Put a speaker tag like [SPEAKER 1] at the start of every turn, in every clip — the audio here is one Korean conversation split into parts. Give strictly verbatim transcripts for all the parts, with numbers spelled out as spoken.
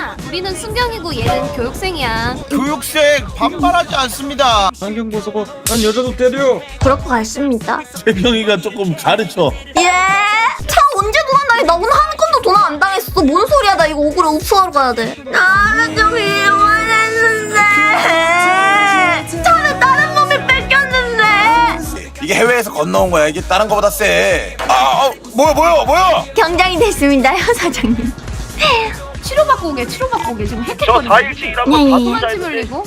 [SPEAKER 1] 아니야. 우리는 순경이고 얘는 교육생이야.
[SPEAKER 2] 교육생 반발하지 않습니다.
[SPEAKER 3] 안경 벗어봐. 난 여자도 때려.
[SPEAKER 1] 그럴 것 같습니다.
[SPEAKER 2] 재경이가 조금 가르쳐.
[SPEAKER 1] 예? 차 언제 도난당해? 나 오늘 한 건도 도난 안 당했어. 뭔 소리야? 나 이거 억울해. 흡수하러 가야 돼. 나는 좀 이용했는데 차는 다른 놈이 뺏겼는데.
[SPEAKER 2] 이게 해외에서 건너온 거야. 이게 다른 거보다 세. 아, 어, 뭐야 뭐야 뭐야?
[SPEAKER 1] 경장이 됐습니다요, 사장님.
[SPEAKER 4] 치료받고 오게 치료받고 오게 지금 헥헥거리고
[SPEAKER 5] 저 사 일치 일하고
[SPEAKER 1] 네,
[SPEAKER 5] 다
[SPEAKER 1] 네.
[SPEAKER 5] 혼자
[SPEAKER 4] 피
[SPEAKER 5] 있는데
[SPEAKER 4] 흘리고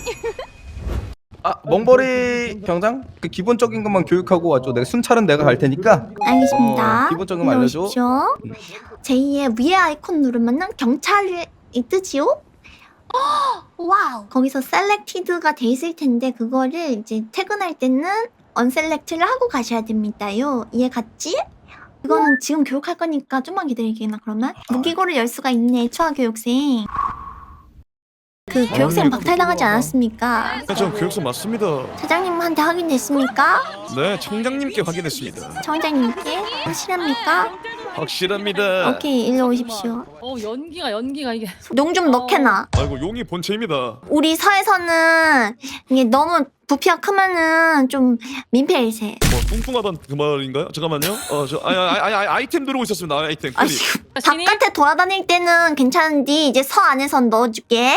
[SPEAKER 3] 아 멍벌이 경장? 그 기본적인 것만 교육하고 와줘. 내가 순찰은 내가 갈 테니까.
[SPEAKER 1] 알겠습니다.
[SPEAKER 3] 어, 기본적인 거 알려줘.
[SPEAKER 1] 들어오십시오. 제이의 위에 아이콘 누르면은 경찰이 뜨지요? 와우. 거기서 셀렉티드가 돼 있을 텐데 그거를 이제 퇴근할 때는 언셀렉트를 하고 가셔야 됩니다요. 이해 갔지? 이거는 지금 교육할 거니까 좀만 기다리기나 그러면? 무기고를 열 수가 있네, 초아교육생. 그 교육생 박탈당하지 않았습니까?
[SPEAKER 6] 네, 저 교육생 맞습니다.
[SPEAKER 1] 사장님한테 확인됐습니까?
[SPEAKER 6] 네, 청장님께 확인했습니다.
[SPEAKER 1] 청장님께? 확실합니까?
[SPEAKER 6] 확실합니다.
[SPEAKER 1] 오케이, 일로 오십시오.
[SPEAKER 4] 어 연기가 연기가 이게
[SPEAKER 1] 농 좀 넣게나.
[SPEAKER 6] 아이고 용이 본체입니다.
[SPEAKER 1] 우리 사에서는 이게 너무 부피가 크면은 좀 민폐일세.
[SPEAKER 6] 뭐 뚱뚱하단 그 말인가요? 잠깐만요. 어저 아니 아니 아니 아니, 아이템 들어오고 있었습니다. 아이템.
[SPEAKER 1] 아,
[SPEAKER 6] 클립.
[SPEAKER 1] 지금 바깥에 돌아다닐 때는 괜찮은데 이제 서 안에선 넣어줄게.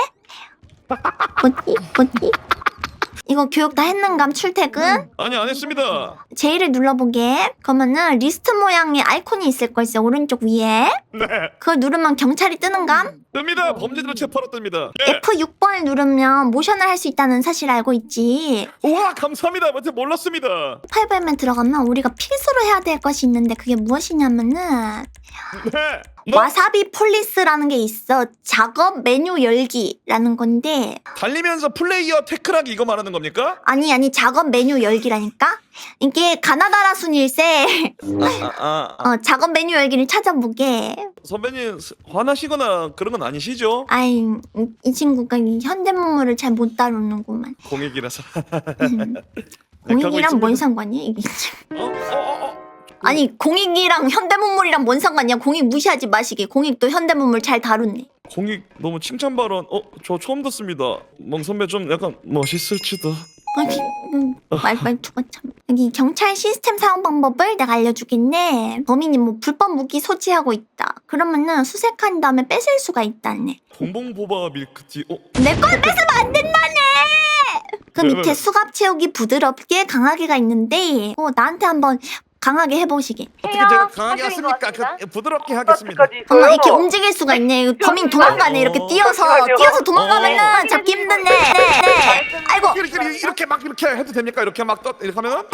[SPEAKER 1] 뭐지? 뭐지? 이거 교육 다 했는감 출퇴근?
[SPEAKER 6] 아니 안 했습니다.
[SPEAKER 1] 제이를 눌러보게. 그러면은 리스트 모양의 아이콘이 있을 걸세, 오른쪽 위에.
[SPEAKER 6] 네.
[SPEAKER 1] 그걸 누르면 경찰이 뜨는감?
[SPEAKER 6] 뜹니다. 범죄자를 체포하러 뜹니다. 예.
[SPEAKER 1] 에프 육 번을 누르면 모션을 할 수 있다는 사실 알고 있지.
[SPEAKER 6] 우와 감사합니다. 먼저 몰랐습니다.
[SPEAKER 1] 팔 번에 들어가면 우리가 필수로 해야 될 것이 있는데 그게 무엇이냐면은
[SPEAKER 6] 네. 뭐?
[SPEAKER 1] 와사비 폴리스라는 게 있어. 작업 메뉴 열기라는 건데
[SPEAKER 6] 달리면서 플레이어 태클하기 이거 말하는 겁니까?
[SPEAKER 1] 아니 아니 작업 메뉴 열기라니까? 이게 가나다라 순일세.
[SPEAKER 6] 아, 아, 아.
[SPEAKER 1] 어, 작업 메뉴 열기를 찾아보게.
[SPEAKER 6] 선배님 화나시거나 그런 건 아니시죠?
[SPEAKER 1] 아이 이- 이 친구가 이 현대문물을 잘 못 다루는구만.
[SPEAKER 6] 공익이라서.
[SPEAKER 1] 음.
[SPEAKER 6] 하고
[SPEAKER 1] 공익이랑 뭔
[SPEAKER 6] 있습니다.
[SPEAKER 1] 상관이야 이게?
[SPEAKER 6] 어? 어? 어? 어?
[SPEAKER 1] 아니 공익이랑 현대문물이랑 뭔 상관이야? 공익 무시하지 마시게. 공익도 현대문물 잘 다루네.
[SPEAKER 6] 공익 너무 칭찬 발언. 어? 저 처음 듣습니다. 멍 선배 좀 약간 멋있을지도.
[SPEAKER 1] 아니, 음, 말, 말투가 참. 여기 경찰 시스템 사용 방법을 내가 알려주겠네. 범인이 뭐 불법 무기 소지하고 있다. 그러면은 수색한 다음에 뺏을 수가 있다네.
[SPEAKER 6] 봉봉보바 밀크티. 어?
[SPEAKER 1] 내 걸 뺏으면 안 된다네! 그
[SPEAKER 6] 왜, 왜,
[SPEAKER 1] 밑에
[SPEAKER 6] 왜?
[SPEAKER 1] 수갑 채우기 부드럽게 강하게가 있는데, 어, 나한테 한번 강하게 해보시게.
[SPEAKER 6] 어떻게 제가 강하게 하십니까? 그, 부드럽게 하겠습니다.
[SPEAKER 1] 어머, 이렇게 움직일 수가 있네. 범인 도망가네. 이렇게 뛰어서, 뛰어서 도망가면은 잡기 힘드네. 네, 네. 아이고.
[SPEAKER 6] 이렇게, 이렇게, 이렇게 막 이렇게 해도 됩니까? 이렇게 막 떠, 이렇게 하면은?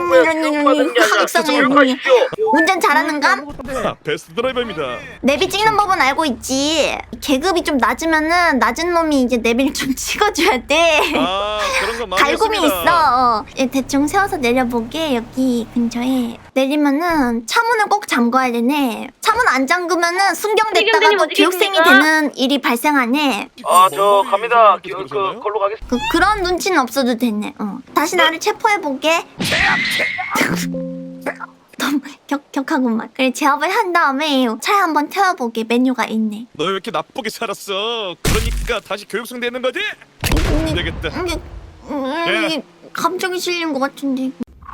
[SPEAKER 1] 운전 잘하는감?
[SPEAKER 6] 아, 베스트 드라이버입니다.
[SPEAKER 1] 내비 찍는 법은 알고 있지. 계급이 좀 낮으면은 낮은 놈이 이제 내비를 좀 찍어줘야 돼.
[SPEAKER 6] 아 그런 거 많이
[SPEAKER 1] 갈굼이
[SPEAKER 6] 했습니다.
[SPEAKER 1] 있어. 어. 예, 대충 세워서 내려보게. 여기 근처에 내리면은 차문을 꼭 잠궈야 되네. 차문 안 잠그면은 순경됐다가도 교육생이 되는 일이 발생하네.
[SPEAKER 5] 아저 갑니다. 그,
[SPEAKER 6] 그,
[SPEAKER 5] 그 걸로 가겠습니다.
[SPEAKER 1] 그, 그런 눈치는 없어도 되네. 어. 다시 나를 체포해보게. 너무 격, 격하구만. 그래, 제압을 한 다음에 차에 한번 태워보게. 메뉴가 있네.
[SPEAKER 6] 너 왜 이렇게 나쁘게 살았어? 그러니까 다시 교육생 되는 거지? 안 되겠다.
[SPEAKER 1] 이게, 음, 이게 감정이 실린 것 같은데.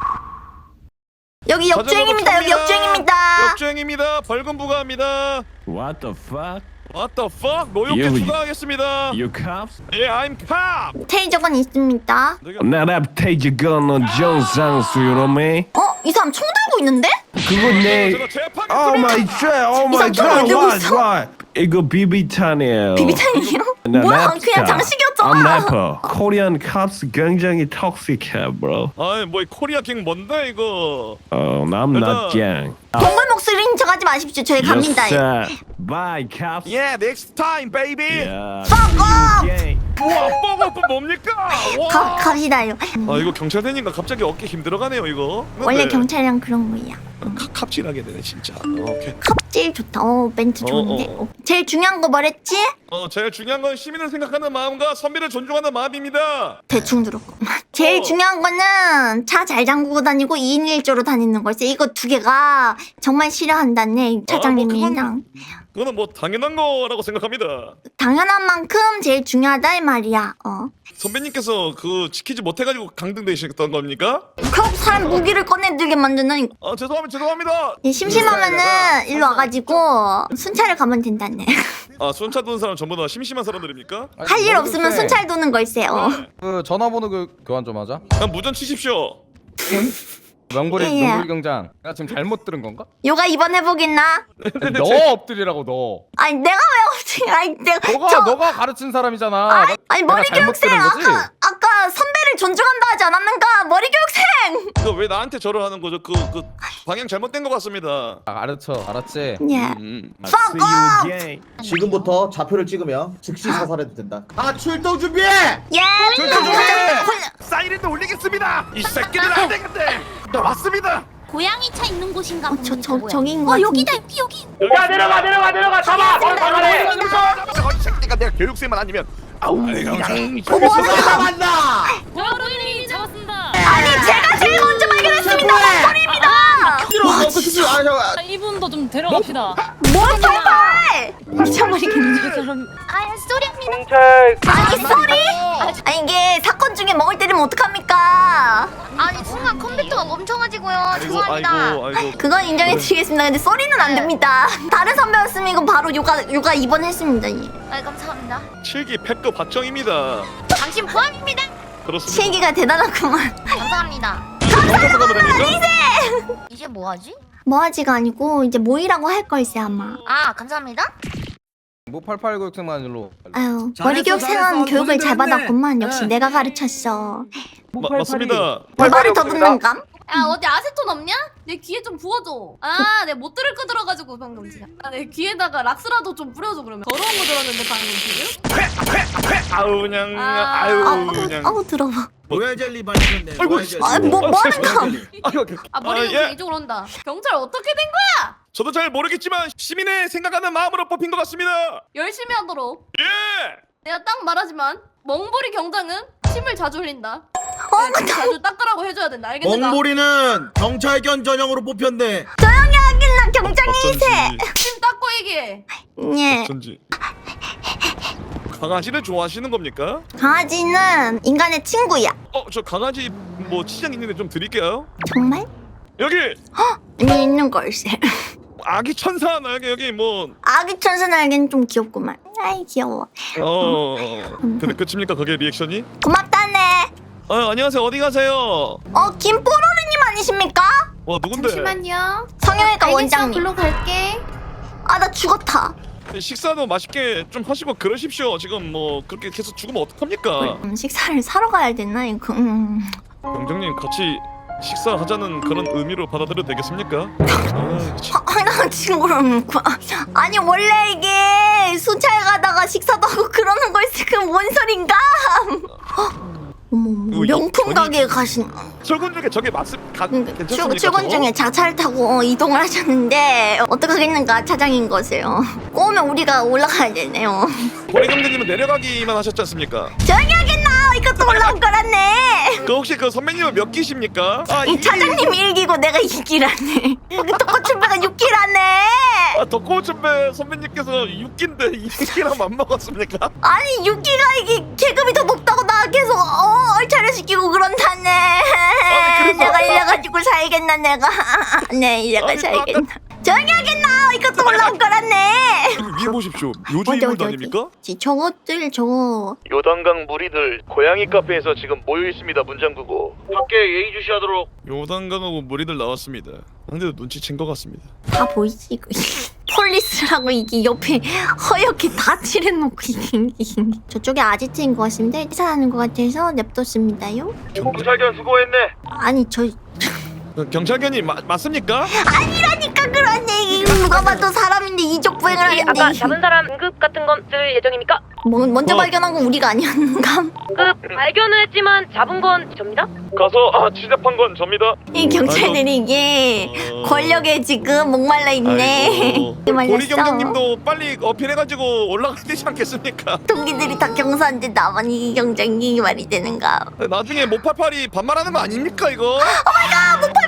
[SPEAKER 1] 여기 역주행입니다. 여기 역주행입니다.
[SPEAKER 6] 역주행입니다. 벌금 부과합니다.
[SPEAKER 7] What the fuck?
[SPEAKER 6] What the fuck? 노역죄
[SPEAKER 7] You-
[SPEAKER 6] 추가하겠습니다.
[SPEAKER 7] You cops?
[SPEAKER 6] 예, I'm cop.
[SPEAKER 1] 테이저건 있습니다.
[SPEAKER 7] 나라 태지건 정상수 요놈에
[SPEAKER 1] 어? 이 사람 총 들고 있는데?
[SPEAKER 7] 그건 내
[SPEAKER 6] 제가 재판.
[SPEAKER 7] Oh my god, oh
[SPEAKER 1] 이
[SPEAKER 7] my
[SPEAKER 1] 사람 총을 왜
[SPEAKER 7] god,
[SPEAKER 1] 들고
[SPEAKER 7] what,
[SPEAKER 1] 있어?
[SPEAKER 7] what? 이거 비비탄이에요.
[SPEAKER 1] 비비탄이에요?
[SPEAKER 7] 나
[SPEAKER 1] 뭐야?
[SPEAKER 7] 랩스타.
[SPEAKER 1] 그냥
[SPEAKER 7] I'm
[SPEAKER 1] 장식이었잖아.
[SPEAKER 7] rapper. Korean cops 굉장히 toxic해, bro.
[SPEAKER 6] 아이 뭐 이 코리아 갱 뭔데 이거?
[SPEAKER 7] Oh, I'm not gang.
[SPEAKER 1] 동물 목소리인 척하지 마십시오. 저희 갑니다.
[SPEAKER 7] Yes, sir. Bye, cops.
[SPEAKER 6] Yeah, next time, baby.
[SPEAKER 7] Yeah.
[SPEAKER 1] Fuck off!
[SPEAKER 7] Gang.
[SPEAKER 6] 우와, 뽀뽀뽀 뭡니까? 와.
[SPEAKER 1] 가, 갑시다요.
[SPEAKER 6] 아 이거 경찰 되니까 갑자기 어깨 힘들어가네요 이거.
[SPEAKER 1] 원래
[SPEAKER 6] 근데
[SPEAKER 1] 경찰이랑 그런 거야.
[SPEAKER 6] 카, 갑질하게 되네 진짜. 어, 오케이.
[SPEAKER 1] 컵질 좋다. 어, 멘트
[SPEAKER 6] 어,
[SPEAKER 1] 좋은데.
[SPEAKER 6] 어, 어.
[SPEAKER 1] 제일 중요한 거 뭐랬지?
[SPEAKER 6] 어 제일 중요한 건 시민을 생각하는 마음과 선비를 존중하는 마음입니다.
[SPEAKER 1] 대충 들었고. 제일
[SPEAKER 6] 어.
[SPEAKER 1] 중요한 거는 차 잘 잠그고 다니고 이인 일조로 다니는 걸세. 이거 두 개가 정말 싫어한다네, 차장님이랑.
[SPEAKER 6] 그건 그거는 뭐 당연한 거라고 생각합니다.
[SPEAKER 1] 당연한 만큼 제일 중요하다 이 말이야. 어.
[SPEAKER 6] 선배님께서 그 지키지 못해가지고 강등되셨던 겁니까?
[SPEAKER 1] 그럼 사람 무기를 꺼내들게 만드는.
[SPEAKER 6] 아 죄송합니다 죄송합니다.
[SPEAKER 1] 예, 심심하면은 일로 와가지고 순찰을 가면 된다네.
[SPEAKER 6] 아 순찰 도는 사람 전부 다 심심한 사람들입니까?
[SPEAKER 1] 할 일 없으면 순찰 도는 걸세요.
[SPEAKER 3] 그 전화번호 그 교환 좀 하자.
[SPEAKER 6] 그냥 무전 치십시오.
[SPEAKER 3] 명불이
[SPEAKER 1] 예.
[SPEAKER 3] 명불 경장. 내가 지금 잘못 들은 건가?
[SPEAKER 1] 요가 이번 해보겠나?
[SPEAKER 3] 아니, 너 엎드리라고 너.
[SPEAKER 1] 아니 내가 왜 없지? 아니 내가
[SPEAKER 3] 너가
[SPEAKER 1] 저-
[SPEAKER 3] 너가 가르친 사람이잖아.
[SPEAKER 1] 아니,
[SPEAKER 3] 나-
[SPEAKER 1] 아니
[SPEAKER 3] 내가
[SPEAKER 1] 머리
[SPEAKER 3] 잘못
[SPEAKER 1] 교육생
[SPEAKER 3] 들은 거지?
[SPEAKER 1] 아까 아까 선배를 존중한다 하지 않았는가? 머리 교육생.
[SPEAKER 6] 이거 왜 나한테 절을 하는 거죠? 그 그 방향 잘못된 것 같습니다.
[SPEAKER 3] 아, 알았죠, 알았지.
[SPEAKER 1] 예.
[SPEAKER 6] 음.
[SPEAKER 1] Fuck off.
[SPEAKER 5] 지금부터 좌표를 찍으면 즉시 사살해도 된다. 아 출동 준비해!
[SPEAKER 1] 예.
[SPEAKER 6] 출동 준비!
[SPEAKER 1] 훌-
[SPEAKER 6] 사이렌도 올리겠습니다. 이 새끼들 안 되겠대. 나 왔습니다.
[SPEAKER 8] 고양이 차 있는 곳인가
[SPEAKER 1] 어, 저, 저, 저긴 것
[SPEAKER 8] 어
[SPEAKER 1] 같은데.
[SPEAKER 8] 여기다 여기 여기
[SPEAKER 6] 야 내려가 내려가 내려가 잡아. 거기 가래. 이 새끼가 내가 교육생만 아니면 아우 그냥
[SPEAKER 5] 다 만나!
[SPEAKER 4] 여러분이 잡았습니다.
[SPEAKER 1] 아니 제가 제일 먼저 발견했습니다. 목걸이입니다.
[SPEAKER 4] 아, 이분도 좀 데려갑시다.
[SPEAKER 1] 뭘 팔팔?
[SPEAKER 4] 미쳐버리겠네 저 사람.
[SPEAKER 8] 아 쏘리입니다.
[SPEAKER 1] 아니 쏘리? 아니 이게 사건 중에 먹을 때리면 어떡합니까?
[SPEAKER 8] 아니 순간 컴퓨터가 멈춰가지고요.
[SPEAKER 6] 아이고
[SPEAKER 8] 죄송합니다.
[SPEAKER 6] 아이고 아이고.
[SPEAKER 1] 그건 인정해드리겠습니다. 근데 쏘리는 안 됩니다. 다른 선배였으면 이건 바로 요가 요가 입원했습니다. 예.
[SPEAKER 8] 아 감사합니다.
[SPEAKER 6] 칠기 팩급 박정입니다.
[SPEAKER 8] 당신 포함입니다.
[SPEAKER 6] 그렇습니다.
[SPEAKER 1] 실기가 대단하구만.
[SPEAKER 8] 감사합니다.
[SPEAKER 6] 감사합니다. 가면 됩니까?
[SPEAKER 8] 이제 뭐하지?
[SPEAKER 1] 뭐하지가 아니고 이제 모이라고 할 걸세 아마.
[SPEAKER 8] 아 감사합니다.
[SPEAKER 3] 뭐 팔팔 교육생만 일로.
[SPEAKER 1] 아유 머리 교육생은 교육을 잘 받았구만. 역시 내가 가르쳤어.
[SPEAKER 6] 마, 맞습니다.
[SPEAKER 1] 벌벌이 더듬는감?
[SPEAKER 4] 야 어디 아세톤 없냐? 내 귀에 좀 부어줘. 아 내가 못 들을 거 들어가지고 방금 진짜. 아, 내 귀에다가 락스라도 좀 뿌려줘 그러면. 더러운 거 들었는데 방금 지금.
[SPEAKER 6] 아우 그냥
[SPEAKER 4] 아.
[SPEAKER 6] 아유
[SPEAKER 1] 아우
[SPEAKER 6] 그냥.
[SPEAKER 1] 아우 들어봐.
[SPEAKER 5] 로얄 젤리 마시는데.
[SPEAKER 6] 아이고,
[SPEAKER 5] 로얄 젤리.
[SPEAKER 1] 아, 뭐 뭐하는 거?
[SPEAKER 4] 아 머리
[SPEAKER 6] 아,
[SPEAKER 4] 교육생
[SPEAKER 6] 예.
[SPEAKER 4] 이쪽으로 온다. 경찰 어떻게 된 거야?
[SPEAKER 6] 저도 잘 모르겠지만 시민의 생각하는 마음으로 뽑힌 것 같습니다.
[SPEAKER 4] 열심히 하도록.
[SPEAKER 6] 예.
[SPEAKER 4] 내가 딱 말하지만 멍보리 경장은 침을 자주 흘린다.
[SPEAKER 1] 어,
[SPEAKER 4] 내가 침 자주 닦으라고 해줘야 된다. 알겠는가?
[SPEAKER 5] 멍보리는 경찰견 전형으로 뽑혔네.
[SPEAKER 1] 조용히 하긴 나 경장이세.
[SPEAKER 4] 침 닦고 얘기해.
[SPEAKER 1] 예.
[SPEAKER 6] 어쩐지. 강아지를 좋아하시는 겁니까?
[SPEAKER 1] 강아지는 인간의 친구야.
[SPEAKER 6] 어, 저 강아지 뭐 치장 있는데 좀 드릴게요.
[SPEAKER 1] 정말?
[SPEAKER 6] 여기
[SPEAKER 1] 여기 있는 걸세.
[SPEAKER 6] 아기 천사 여기 여기 뭐
[SPEAKER 1] 아기 천사 날개는 좀 귀엽구만. 아이 귀여워.
[SPEAKER 6] 어. 근데 끝입니까 그게 리액션이?
[SPEAKER 1] 고맙다네.
[SPEAKER 6] 아 안녕하세요 어디 가세요?
[SPEAKER 1] 어 김뽀로르님 아니십니까?
[SPEAKER 6] 와 누군데?
[SPEAKER 4] 잠시만요.
[SPEAKER 1] 성형외과 원장님.
[SPEAKER 4] 글로 갈게.
[SPEAKER 1] 아 나 죽었다.
[SPEAKER 6] 식사도 맛있게 좀 하시고 그러십시오. 지금 뭐 그렇게 계속 죽으면 어떡합니까?
[SPEAKER 1] 음, 식사를 사러 가야 되나 이거. 음.
[SPEAKER 6] 병장님 같이 식사하자는 그런 의미로 받아들여도 되겠습니까? 아, 참.
[SPEAKER 1] 아, 나 지금 그럼 아니 원래 이게 순찰 가다가 식사도 하고 그러는 걸세. 그뭔 소린가? 어머 어머,
[SPEAKER 6] 이거
[SPEAKER 1] 명품
[SPEAKER 6] 전이-
[SPEAKER 1] 가게에 가신.
[SPEAKER 6] 출근 중에 저게 맞습 가,
[SPEAKER 1] 출,
[SPEAKER 6] 괜찮습니까?
[SPEAKER 1] 출근
[SPEAKER 6] 저거?
[SPEAKER 1] 중에 자차를 타고 어, 이동을 하셨는데 어떡하겠는가 차장인 거세요. 꼬우면 우리가 올라가야 되네요.
[SPEAKER 6] 보리 경장님은 내려가기만 하셨지 않습니까?
[SPEAKER 1] 조용히 하겠나? 이것도 올라올 거라네.
[SPEAKER 6] 그 혹시 그 선배님은 몇 기십니까? 아,
[SPEAKER 1] 이 차장님 일기고 내가 이기라네. 떡꼬치배가 육기라네.
[SPEAKER 6] 아, 덕고천배 선배님께서 육 기인데 이 기랑 맘먹었습니까?
[SPEAKER 1] 아니 육기가 이게 계급이 더 높다고 나 계속 어, 얼차려 시키고 그런다네.
[SPEAKER 6] 그래서-
[SPEAKER 1] 내가 이래가지고 살겠나 내가. 네 이래가
[SPEAKER 6] 아니, 또
[SPEAKER 1] 살겠나. 조용히 하겠나? 이것도 올라올 거라네.
[SPEAKER 6] 여기 위에 보십시오. 요주
[SPEAKER 1] 어디,
[SPEAKER 6] 인물도
[SPEAKER 1] 어디, 어디?
[SPEAKER 6] 아닙니까?
[SPEAKER 1] 지- 저것들 저거
[SPEAKER 6] 요단강 무리들 고양이 카페에서 지금 모여 있습니다. 문 잠그고 밖에 예의 주시하도록. 요단강하고 무리들 나왔습니다. 상대도 눈치챈 것 같습니다.
[SPEAKER 1] 다 보이지 이거. 폴리스라고 이게 옆에 허옇게 다 칠해놓고 이게, 이게. 저쪽에 아지트인 것 같습니다. 회사하는 것 같아서 냅뒀습니다요.
[SPEAKER 6] 경찰견 수고했네.
[SPEAKER 1] 아니 저
[SPEAKER 6] 경찰견이 마, 맞습니까?
[SPEAKER 1] 아니라니까 그러네. 이게 누가 봐도 사람인데 이족 부행을 하는데.
[SPEAKER 9] 아까 잡은 사람 응급 같은 건 쓸 예정입니까?
[SPEAKER 1] 뭐, 먼저
[SPEAKER 6] 어.
[SPEAKER 1] 발견한 건 우리가 아니었는가?
[SPEAKER 9] 그 발견은 했지만 잡은 건 접니다.
[SPEAKER 6] 가서 아 취재한 건 접니다.
[SPEAKER 1] 이 경찰들이 이게
[SPEAKER 6] 어.
[SPEAKER 1] 권력에 지금 목말라 있네.
[SPEAKER 6] 아이고.
[SPEAKER 1] 말렸어.
[SPEAKER 6] 보리 경장님도 빨리 어필해가지고 올라가야 되지 않겠습니까?
[SPEAKER 1] 동기들이 다 경사인데 나만 이 경장이 말이 되는가?
[SPEAKER 6] 나중에 모팔팔이 반말하는 거 아닙니까 이거?
[SPEAKER 1] 아, 목팔팔이 봐봐.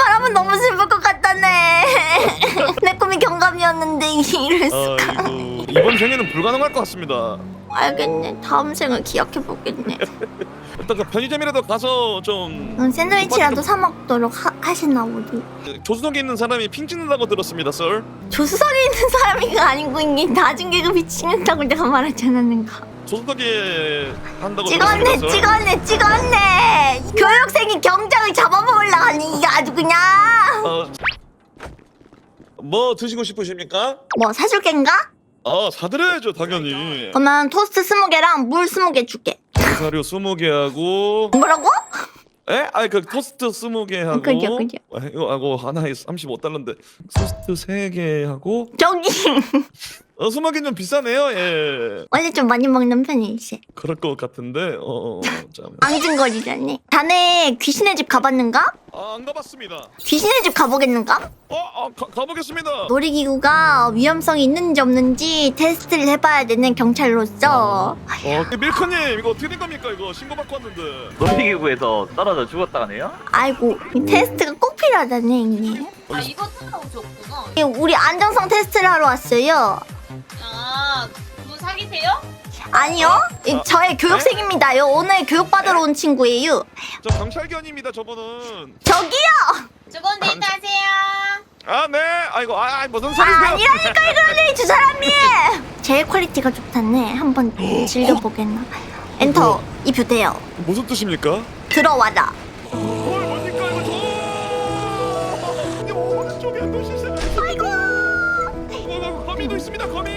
[SPEAKER 1] 말하면 너무 슬플 것 같다네. 내 꿈이 경감이었는데 이럴 수가.
[SPEAKER 6] 아이고 이번 생에는 불가능할 것 같습니다.
[SPEAKER 1] 알겠네. 다음 생을 기약해보겠네.
[SPEAKER 6] 일단 그 편의점이라도 가서 좀
[SPEAKER 1] 응, 샌드위치라도 사 먹도록 하, 하시나 보지.
[SPEAKER 6] 조수석에 있는 사람이 핑 찍는다고 들었습니다, 썰.
[SPEAKER 1] 조수석에 있는 사람이가 아니고 이게 낮은 계급이 찍는다고 내가 말하잖아 내가.
[SPEAKER 6] 조수석에 한다고
[SPEAKER 1] 찍었네
[SPEAKER 6] 들었습니다, 썰.
[SPEAKER 1] 찍었네 찍었네. 교육생이 경장을 잡아먹으려 하니 이게 아주 그냥.
[SPEAKER 6] 어, 뭐 드시고 싶으십니까?
[SPEAKER 1] 뭐 사줄 겐가?
[SPEAKER 6] 아 사드려야죠 당연히.
[SPEAKER 1] 그러면 토스트 스무 개랑 물 스무 개 줄게.
[SPEAKER 6] 사료 스무 개 하고.
[SPEAKER 1] 뭐라고?
[SPEAKER 6] 에? 아니 그 토스트 스무 개 하고.
[SPEAKER 1] 그죠, 그죠.
[SPEAKER 6] 아, 이거 하고 하나에 삼십오 달러인데 토스트 세 개 하고.
[SPEAKER 1] 저기
[SPEAKER 6] 어 스무 개는 좀 비싸네요. 예.
[SPEAKER 1] 원래 좀 많이 먹는 편이지.
[SPEAKER 6] 그럴 것 같은데. 어. 어 참.
[SPEAKER 1] 앙증거리자네. 자네 귀신의 집 가봤는가?
[SPEAKER 6] 아, 안 가봤습니다.
[SPEAKER 1] 귀신의 집 가보겠는가?
[SPEAKER 6] 어, 어 가, 가보겠습니다.
[SPEAKER 1] 놀이기구가 위험성이 있는지 없는지 테스트를 해봐야 되는 경찰로서.
[SPEAKER 6] 어, 그 밀크님 이거 어떻게 된 겁니까? 이거 신고 받고 왔는데.
[SPEAKER 10] 놀이기구에서 떨어져 죽었다가네요?
[SPEAKER 1] 아이고 이 테스트가 꼭 필요하다네 이게.
[SPEAKER 4] 아 이거 타고 오셨구나.
[SPEAKER 1] 예, 우리 안정성 테스트를 하러 왔어요.
[SPEAKER 4] 아 누구 사귀세요?
[SPEAKER 1] 아니요, 이 저의 교육생입니다요. 오늘 교육받으러 온 친구예요.
[SPEAKER 6] 저 경찰견입니다. 저분은.
[SPEAKER 1] 저기요.
[SPEAKER 4] 두분 데이트하세요.
[SPEAKER 6] 아, 네. 아이고, 아, 아, 무슨
[SPEAKER 1] 아,
[SPEAKER 6] 소리세요?
[SPEAKER 1] 아니라니까 이거는 저 사람이. 제일 퀄리티가 좋다네. 한번 즐겨보겠나. 엔터 입효돼요.
[SPEAKER 6] 무슨 뜻입니까?
[SPEAKER 1] 들어와라.
[SPEAKER 6] 뭘 뭡니까 이거 저? 이게 오른쪽에 노시세요.
[SPEAKER 1] 아이고.
[SPEAKER 6] 어, 거미도 있습니다. 거미.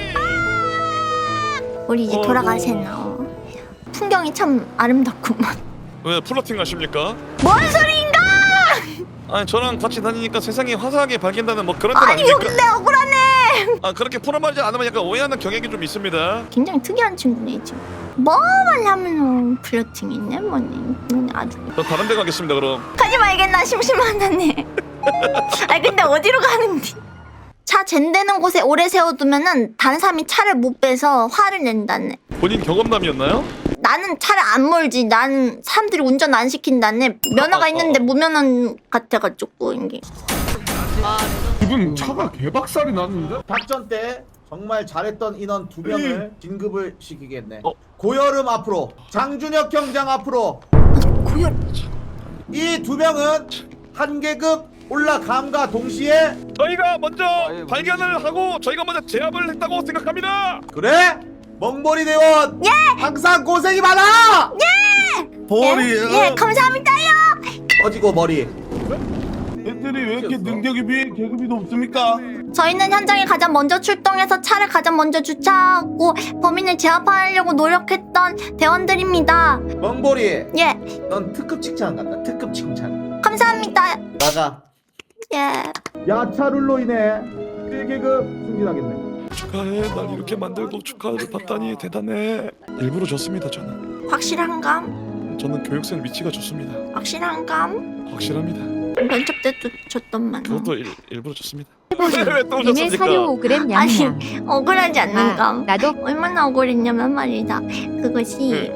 [SPEAKER 1] 우리 이제
[SPEAKER 6] 어,
[SPEAKER 1] 돌아가세요. 풍경이 참 아름답구만.
[SPEAKER 6] 왜 플러팅 하십니까?
[SPEAKER 1] 뭔 소리인가?
[SPEAKER 6] 아니 저랑 같이 다니니까 세상이 화사하게 밝힌다는 뭐 그런 뜻
[SPEAKER 1] 아니
[SPEAKER 6] 아닙니까?
[SPEAKER 1] 근데 억울하네.
[SPEAKER 6] 아 그렇게 풀어말하지 않으면 약간 오해하는 경향이 좀 있습니다.
[SPEAKER 1] 굉장히 특이한 친구네 지금. 뭐만 하면 플러팅이 있네 뭐니. 아주.
[SPEAKER 6] 저 다른 데 가겠습니다 그럼.
[SPEAKER 1] 가지 말겠나 심심하다네. 아니 근데 어디로 가는데? 차 젠되는 곳에 오래 세워두면은 다른 사람이 차를 못 빼서 화를 낸다네.
[SPEAKER 6] 본인 경험담이었나요?
[SPEAKER 1] 나는 차를 안 몰지. 나는 사람들이 운전 안 시킨다네. 면허가 있는데 무면허 같아가지고 이게.
[SPEAKER 7] 지금 차가 개박살이 났는데?
[SPEAKER 5] 작전 때 정말 잘했던 인원 두 명을 진급을 시키겠네.
[SPEAKER 6] 어?
[SPEAKER 5] 고여름 앞으로, 장준혁 경장 앞으로.
[SPEAKER 1] 고열.
[SPEAKER 5] 이 두 명은 한 계급 올라감과 동시에
[SPEAKER 6] 저희가 먼저 발견을 하고 저희가 먼저 제압을 했다고 생각합니다.
[SPEAKER 5] 그래? 멍보리 대원
[SPEAKER 1] 예!
[SPEAKER 5] 항상 고생이 많아!
[SPEAKER 1] 예, 예 감사합니다요.
[SPEAKER 5] 꺼지고 머리.
[SPEAKER 7] 애들이 왜 이렇게 능력이 비해 계급이 높습니까?
[SPEAKER 1] 저희는 현장에 가장 먼저 출동해서 차를 가장 먼저 주차하고 범인을 제압하려고 노력했던 대원들입니다.
[SPEAKER 5] 멍보리
[SPEAKER 1] 예
[SPEAKER 5] 넌 특급 칭찬 간다. 특급 칭찬.
[SPEAKER 1] 감사합니다.
[SPEAKER 5] 나가.
[SPEAKER 1] 예.
[SPEAKER 5] 야차룰로 인해 일 계급 승진하겠네.
[SPEAKER 6] 축하해. 날 이렇게 만들고 축하를 받다니 대단해. 일부러 줬습니다 저는.
[SPEAKER 1] 확실한감?
[SPEAKER 6] 저는 교육생 위치가 좋습니다.
[SPEAKER 1] 확실한감?
[SPEAKER 6] 확실합니다.
[SPEAKER 1] 면접 때도 줬던만.
[SPEAKER 6] 그것도 일, 일부러 줬습니다.
[SPEAKER 9] 님의
[SPEAKER 6] 왜또
[SPEAKER 9] 사료
[SPEAKER 6] 오셨습니까?
[SPEAKER 9] 오 그램
[SPEAKER 1] 아니
[SPEAKER 9] 양양.
[SPEAKER 1] 억울하지 않는감.
[SPEAKER 9] 아, 나도
[SPEAKER 1] 얼마나 억울했냐면 말이다. 그것이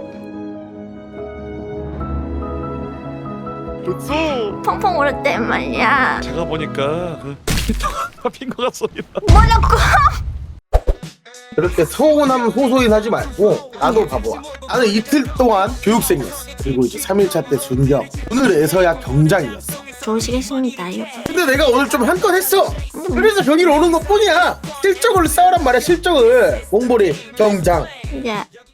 [SPEAKER 6] 그쵸?
[SPEAKER 1] 펑펑 울었단 말이야.
[SPEAKER 6] 제가 보니까 그 핑거 같습니다.
[SPEAKER 1] 뭐라고?
[SPEAKER 11] 그렇게 서운함 호소인 하지 말고 나도 바보야. 나는 이틀 동안 교육생이었어. 그리고 이제 삼 일차 때 준경, 오늘에서야 경장이었어.
[SPEAKER 1] 좋으시겠습니다요.
[SPEAKER 11] 근데 내가 오늘 좀 한 건 했어. 그래서 병이 오는 것 뿐이야. 실적을 쌓으란 말이야. 실적을. 몽골이 경장.
[SPEAKER 1] 예.